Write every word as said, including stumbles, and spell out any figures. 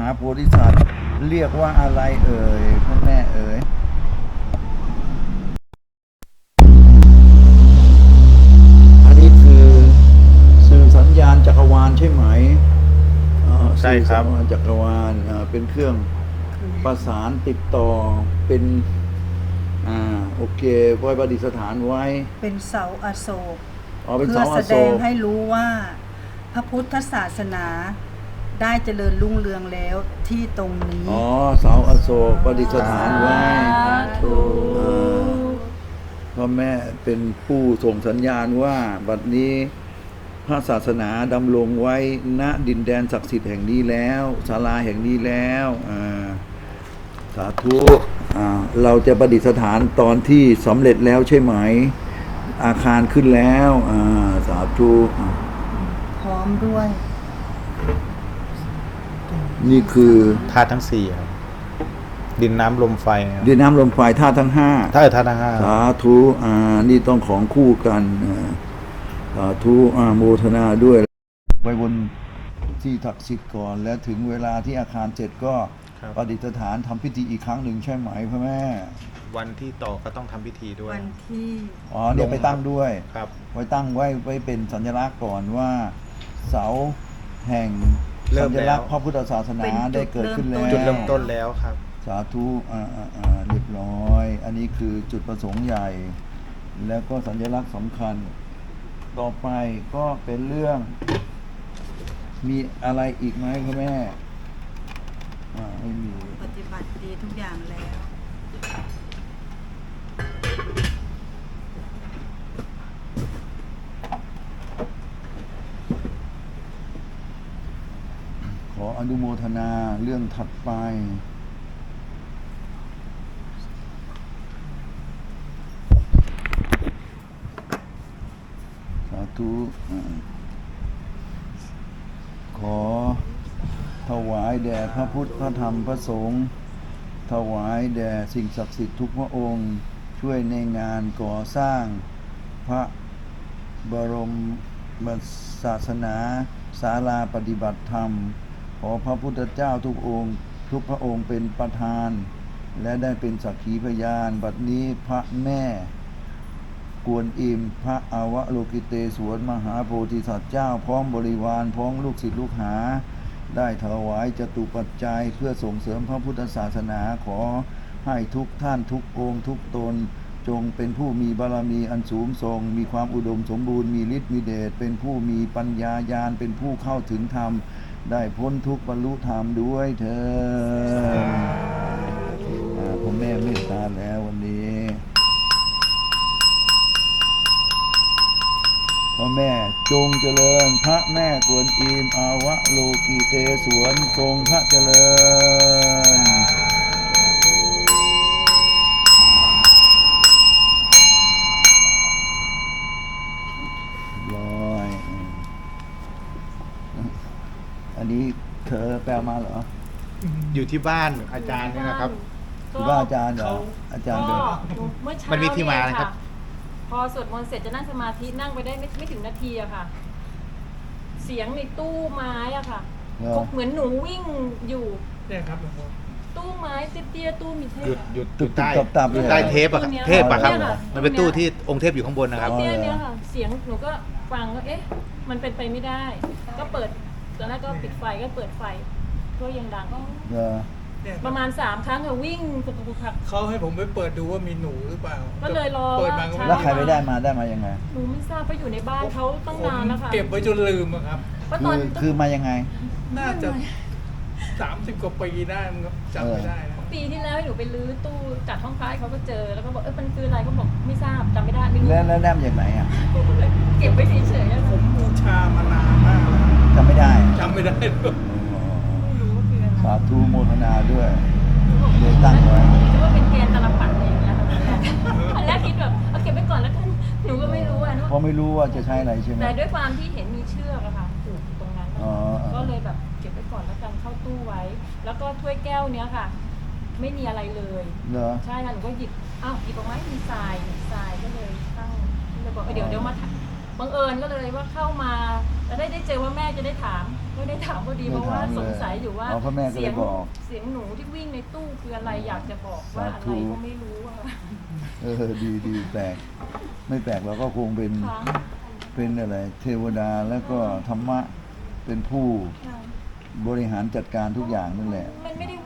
โพธิสัตว์เรียกว่าอะไรเอ่ยพ่อแม่เอ่ยอันนี้คือสื่อสัญญาณจักรวาลใช่ไหมอ่าใช่ครับสื่อสัญญาณจักรวาลอ่าเป็นเครื่องประสานติดต่อเป็นอ่าโอเคไว้ประดิษฐานไว้เป็นเสาอโศกอ๋อเป็นเพื่อเสาอแสโศดงกให้รู้ว่าพระพุทธศาสนาได้เจริญรุ่งเรืองแล้วที่ตรงนี้อ๋อเสาอโศกประดิษฐานไว้อ่าพ่อแม่เป็นผู้ส่งสัญญาณว่าบัดนี้พระศาสนาดำรงไว้ณดินแดนศักดิ์สิทธิ์แห่งนี้แล้วศาลาแห่งนี้แล้วอ่าสาธุอ่าเราจะประดิษฐานตอนที่สำเร็จแล้วใช่ไหมอาคารขึ้นแล้วอ่าสาธุอ่าพร้อมด้วยนี่คือธาตุทั้งสี่ครับ ดินน้ำลมไฟครับดินน้ำลมไฟธาตุทั้งห้าธาตุธาตุทั้งห้าสาธุอ่านี่ต้องของคู่กันอ่าสาธุอ่าโมทนาด้วยไปบนที่ศักดิ์สิทธิ์ก่อน แล้วถึงเวลาที่อาคารเสร็จก็ประดิษฐานทำพิธีอีกครั้งหนึ่งใช่ไหมพ่อแม่วันที่ต่อก็ต้องทำพิธีด้วยวันที่อ๋อเดี๋ยวไปตั้งด้วยครับไว้ตั้งไว้ไว้เป็นสัญลักษณ์ก่อนว่าเสาแห่งเริ่สัมญแล้วลักษณ์พระพุทธศาสนาได้เกิดขึ้นแล้วจุดเริ่มต้นแล้วครับสาธุอ่าอ่าอ่าเรียบร้อย อันนี้คือจุดประสงค์ใหญ่ แล้วก็สัญลักษณ์สำคัญ ต่อไปก็เป็นเรื่อง มีอะไรอีกไหมคุณแม่อ่าไม่มีปฏิบัติดีทุกอย่างแล้วขออนุโมทนาเรื่องถัดไป สาธุอ่าขอถวายแด่พระพุทธพระธรรมพระสงฆ์ถวายแด่สิ่งศักดิ์สิทธิ์ทุกพระองค์ ช่วยในงานก่อสร้างพระบรมศาสนาศาลาปฏิบัติธรรม ขอพระพุทธเจ้าทุกองค์ทุกพระองค์เป็นประธาน และได้เป็นสักขีพยาน บัดนี้พระแม่กวนอิมพระอาวโลกิเตศวรมหาโพธิสัตว์เจ้าพร้อมบริวารพร้อมลูกศิษย์ลูกหา ได้ถวายจตุปัจจัยเพื่อส่งเสริมพระพุทธศาสนาขอให้ทุกท่านทุกองค์ทุกตน จงเป็นผู้มีบารมีอันสูงส่งมีความอุดมสมบูรณ์มีฤทธิ์มีเดชเป็นผู้มีปัญญาญาณเป็นผู้เข้าถึงธรรม ได้พ้นทุกข์บรรลุธรรมด้วยเถิดอ่าพ่อแม่เมตตาแล้ววันนี้พ่อแม่จงเจริญพระแม่กวนอิมอาวะโลกีเตศวรทรงพระเจริญร้อยอันนี้เธอแปลมาเหรออยู่ที่บ้านอาจารย์เนี่ยนะครับคือว่าอาจารย์เหรออาจารย์เป็นก็เมื่อเช้ามันมีที่มาเยนะครับพอสวดมนต์เสร็จจะนั่งสมาธินั่งไปได้ไม่ไม่ถึงนาทีอะค่ะ เสียงในตู้ไม้อะค่ะเหรอเขาเหมือนหนูวิ่งอยู่เนี่ยครับหลวงพ่อตู้ไม้เตี้ยๆตู้มีเทหยุพดหยุดตึกใต้ตึกตับๆเลยใต้เทปอะครับเทปอะครับเนี่ยค่ะมันเป็นตู้ที่องค์เทพอยู่ข้างบนนะครับเตี้ยๆเนี่ยค่ะ เสียงหนูก็ฟังก็เอ๊ะ มันเป็นไปไม่ได้ ก็เปิดตอนแรกก็ปิดไฟก็เปิดไฟก็ยังดังเหรอเนี่ยประมาณสามครั้งค่ะวิ่งปุกปุกผักเขาให้ผมไปเปิดดูว่ามีหนูหรือเปล่าก็เลยรอเปิดมาว่าก็แล้วไม่ใครไปได้มาได้มายังไงหนูไม่ทราบเพราะอยู่ในบ้านเขาตั้งผมนานแล้วค่ะเก็บไว้จนลืมอะครับเพราะคืตอนอคือมายังไงน่าจะสามสิบกว่าปีได้มั้งครับจำไม่ได้นะปีที่แล้วให้หนูไปรื้อตู้จัดห้องพระให้เขาก็เจอแล้วก็บอกเออมันคืออะไรเขาบอกไม่ทราบจำไม่ได้ไม่รู้แล้วแล้วได้มาจากไหนอ่ะเก็บไว้เฉยๆอะผมบูชามานานมากแล้วจำไม่ได้จำไม่ได้เลยไม่รู้ว่าคืออะไรสาธุโมทนาด้วยหนูบอกเลยตั้งไว้คิดว่าเป็นแกนตลับปัดอะไรอย่างเงี้ยค่ะอันแรกคิดแบบเอาเก็บไว้ก่อนแล้วกันหนูก็ไม่รู้อ่ะเนอะเพราะไม่รู้ว่าจะใช้อะไรใช่ไหมแต่ด้วยความที่เห็นมีเชือกอะค่ะผูกอยู่ตรงนั้นอ๋อก็เลยแบบเก็บไว้ก่อนแล้วกันเข้าตู้ไว้ แล้วก็ถ้วยแก้วเนี้ยค่ะ ไม่มีอะไรเลยเหรอใช่ค่ะหนูก็หยิบอ้าวหยิบออกมามีทรายทรายก็เลยตั้งก็เลยบอกเออเดี๋ยวเดี๋ยวมาถามบังเอิญก็เลยว่าเข้ามาแล้วได้ได้เจอว่าแม่จะได้ถามไม่ได้ถามพอดีไม่เพราะว่าถามเลยสงสัยอยู่ว่าอ๋อพ่อแม่ก็เลยเสียงบอกเสียงหนูที่วิ่งในตู้คืออะไรอยากจะบอกว่าอะสาธุไรก็ไม่รู้อะเออดีดีแปลก ไม่แปลกเราก็คงเป็นค่ะเป็นอะไร เทวดาแล้วก็ธรรมะเป็นผู้ค่ะบริหารจัดการทุกอย่างนั่นแหละมันไม่ได้